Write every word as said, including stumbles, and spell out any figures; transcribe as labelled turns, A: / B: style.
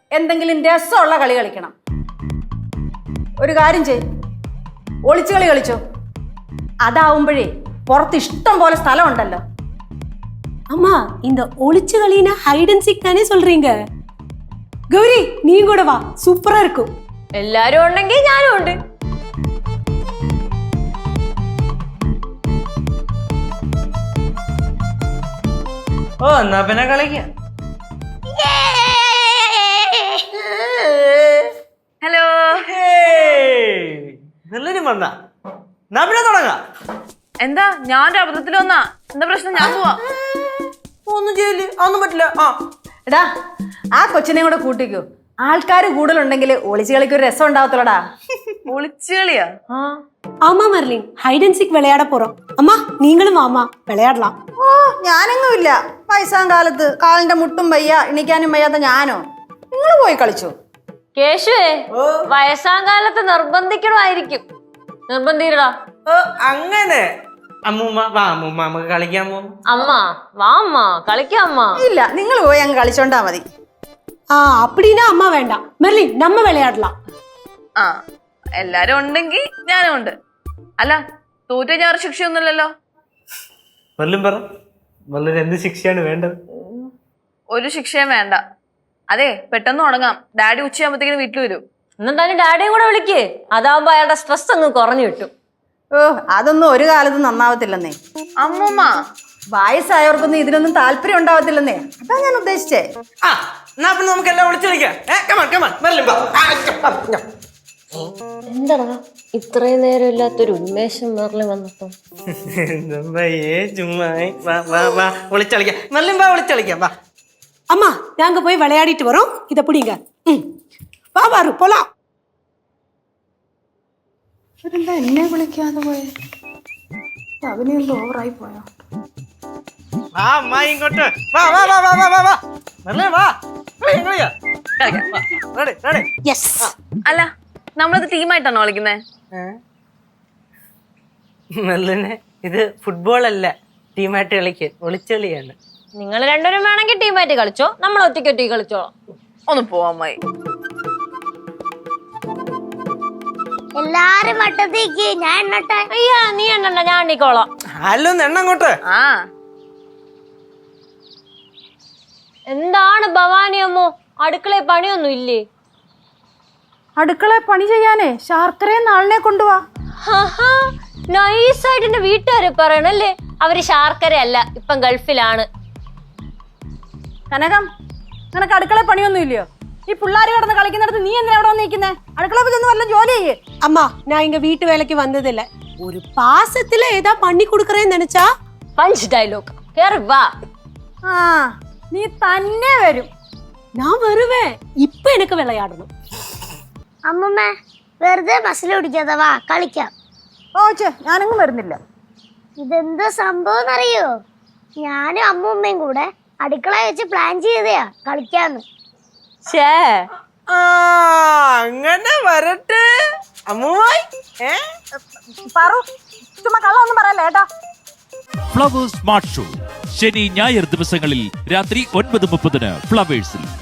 A: എന്തെങ്കിലും രസമുള്ള കളി കളിക്കണം. ഒരു കാര്യം ചെയ്, ഒളിച്ചു കളി കളിച്ചോ. അതാവുമ്പോഴേ പുറത്ത് ഇഷ്ടം പോലെ സ്ഥലം ഉണ്ടല്ലോ.
B: அம்மா இந்த ஒளிச்சு களினா ஹைட் அண்ட் சீக் தானே சொல்றீங்க? கௌரி நீ கூட வா, சூப்பரா இருக்கும்.
C: എല്ലാരും ഉണ്ടെങ്കിൽ ഞാനും ഉണ്ട്.
D: ഓ എന്നാ പിന്നെ കളിക്കാം.
C: ഹലോ,
D: എല്ലാരും വന്നാ എന്നാ പിന്നെ തുടങ്ങാം.
C: എന്താ ഞാൻ അബദ്ധത്തിൽ വന്നാ? എന്താ പ്രശ്നം? ഞാൻ പോവാ.
D: ഒന്നും ചെയ്യില്ല, അതൊന്നും പറ്റില്ല. ആ
A: എടാ, ആ കൊച്ചിനെ കൂടെ കൂട്ടിക്കോ. ആൾക്കാർ കൂടുതലുണ്ടെങ്കിൽ ഒളിച്ചു കളിക്ക് ഒരു രസം ഉണ്ടാവത്തുള്ളടാ.
C: ഒളിച്ചു കളിയാ?
B: ஆமா மர்லின், ஹைட் அண்ட் சீக் விளையாட போறோம். அம்மா நீங்களும் வாமா, விளையாடலாம்.
A: ഓ ഞാനെങ്ങും ഇല്ല. വയസ്സാം കാലത്ത് കാലിന്റെ മുട്ടും വയ്യ, എണിക്കാനും വയ്യാത്ത ഞാനോ? നിങ്ങൾ പോയി കളിച്ചോ.
C: കേശുവേ, വയസ്സാം കാലത്ത് നിർബന്ധിക്കണമായിരിക്കും. നിർബന്ധിക്കടാ.
D: ഓ അങ്ങനെ. അമ്മൂമ്മ വാ, അമ്മൂമ്മ നമുക്ക് കളിക്കാൻ പോകും.
C: അമ്മ വാ, അമ്മ കളിക്കാം. അമ്മ
A: ഇല്ല, നിങ്ങൾ പോയി അങ്ങ് കളിച്ചോണ്ടാ മതി.
B: ஆ அப்படினா அம்மா வேண்டாம். மர்லின் நம்ம விளையாடலாம்.
C: ആ, എല്ലാരും ഉണ്ടെങ്കിൽ ഞാനും ഉണ്ട്. അല്ല, തോറ്റ ഞാൻ ശിക്ഷയൊന്നുമില്ലല്ലോ.
D: വല്ലും പറ, വല്ലൊരു എന്ത് ശിക്ഷയാണ് വേണ്ടത്?
C: ഒരു ശിക്ഷയും വേണ്ട. അതെ, പെട്ടെന്ന് തുടങ്ങാം. ഡാഡി ഉച്ചയാകുമ്പോഴത്തേക്കും വീട്ടിൽ വരും.
E: എന്നെന്തായാലും ഡാഡിയും കൂടെ വിളിക്കേ. അതാവുമ്പോ അയാളുടെ സ്ട്രെസ് അങ്ങ് കുറഞ്ഞു കിട്ടും.
A: ഓ അതൊന്നും ഒരു കാലത്തും നന്നാവത്തില്ലെന്നേ.
C: അമ്മൂമ്മ,
A: വയസ്സായവർക്കൊന്നും ഇതിനൊന്നും താല്പര്യം ഉണ്ടാവത്തില്ലെന്നേ. അതാ ഞാൻ ഉദ്ദേശിച്ചേ.
D: ആ എന്നാ പിന്നെ നമുക്ക് എല്ലാം വിളിച്ചു കളിക്കാം.
E: എന്താടാ ഇത്രയും നേരം ഇല്ലാത്തൊരു ഉന്മേഷം വേറെ വന്നപ്പോ?
D: വിളിച്ചളിക്കാം, മെല്ലും വാ, വിളിച്ചളിക്കാം വാ.
B: அம்மா நாங்க போய் விளையாடிட்டு வரோம். இத பிடிங்க. ம் வா பாரு போலாம்.
A: ഇവരെന്താ എന്നെ വിളിക്കാതെ പോയെ? അവനെന്തോ ഓവറായി പോയോ?
D: വാ അമ്മ ഇങ്ങോട്ട് വാ, വാ, വാ, വാ, വാ, വാ, വാ. മെല്ലെ വാ. കളിക്കാം, കളിക്കാം. വാ, ready, ready.
B: Yes.
C: അല്ല, നമ്മളത് ടീമായിട്ടാണോ കളിക്കുന്നേ?
D: മെല്ലിനെ ഇത് ഫുട്ബോൾ അല്ല, ടീമായിട്ട് കളിക്കാൻ. ഒളിച്ചളിയാണ്.
E: നിങ്ങൾ രണ്ടുപേരും വേണമെങ്കിൽ ടീമായിട്ട് കളിച്ചോ, നമ്മൾ ഒറ്റയ്ക്ക് ഒറ്റയ്ക്ക് കളിച്ചോളാം.
C: ഒന്ന് പോവാൻ അമ്മായി.
F: എല്ലാരും വട്ടത്തേക്ക് ഞാൻ എണ്ണട്ടെ.
E: അയ്യാ നീ എണ്ണണ്ട, ഞാൻ എണ്ണിക്കോളാം.
D: ഹലോ എണ്ണ അങ്ങോട്ട്.
C: ആ
E: എന്താണ് ഭവാനി അമ്മോ, അടുക്കളയിൽ പണിയൊന്നും ഇല്ലേ?
A: അടുക്കള പണി ചെയ്യാനേ ശാർക്കരയെ നാളിനെ കൊണ്ടുപോവാ.
E: നൈസായിട്ട് എന്റെ വീട്ടുകാരെ പറയണല്ലേ. അവര് ശാർക്കര അല്ല, ഇപ്പം ഗൾഫിലാണ്.
A: കനകം, നിനക്ക് അടുക്കള പണിയൊന്നും ഇല്ലയോ? ഈ പിള്ളേര് കിടന്ന് കളിക്കുന്നിടത്ത് നീ എന്തിനാ അവിടെ വന്നിരിക്കുന്നേ? അടുക്കള ചെന്ന് വല്ല ജോലി ചെയ്യേ.
B: அம்மா நான் இங்க வீட்டு வேலைக்கு வந்தது இல்ல. ஒரு பாசத்துல ஏதா பண்ணி கொடுக்கறேன்னு நினைச்சா
E: പഞ്ച് ഡയലോഗ്. കേറി വാ.
A: ആ നീ തന്നെ വരും.
B: நான் வருவேன். இப்ப எனக்கு விளையாடணும்.
F: അമ്മമ്മ വെറുതെ ബസ്സിൽ ഓടിക്കാതെ വാ കളിക്കാം.
A: ഓ ചേ, ഞാനങ്ങും വരുന്നില്ല.
F: ഇതെന്ത് സംഭവം എന്നറിയോ? ഞാനും അമ്മൂമ്മയും കൂടെ അടുക്കള വെച്ച് പ്ലാൻ ചെയ്തയാ കളിക്കാന്ന്.
E: ഛേ,
D: ആ അങ്ങനെ വരട്ടെ അമ്മുമായി. ഏ
A: പറു, ചുമ്മാ കള്ളൊന്നും പറയല്ലേ ഏട്ടാ.
G: ഫ്ലവേഴ്സ് സ്മാർട്ട് ഷോ ശനി ഞായർ ദിവസങ്ങളിൽ രാത്രി ഒൻപത് മുപ്പതിന് ഫ്ലവേഴ്സിൽ.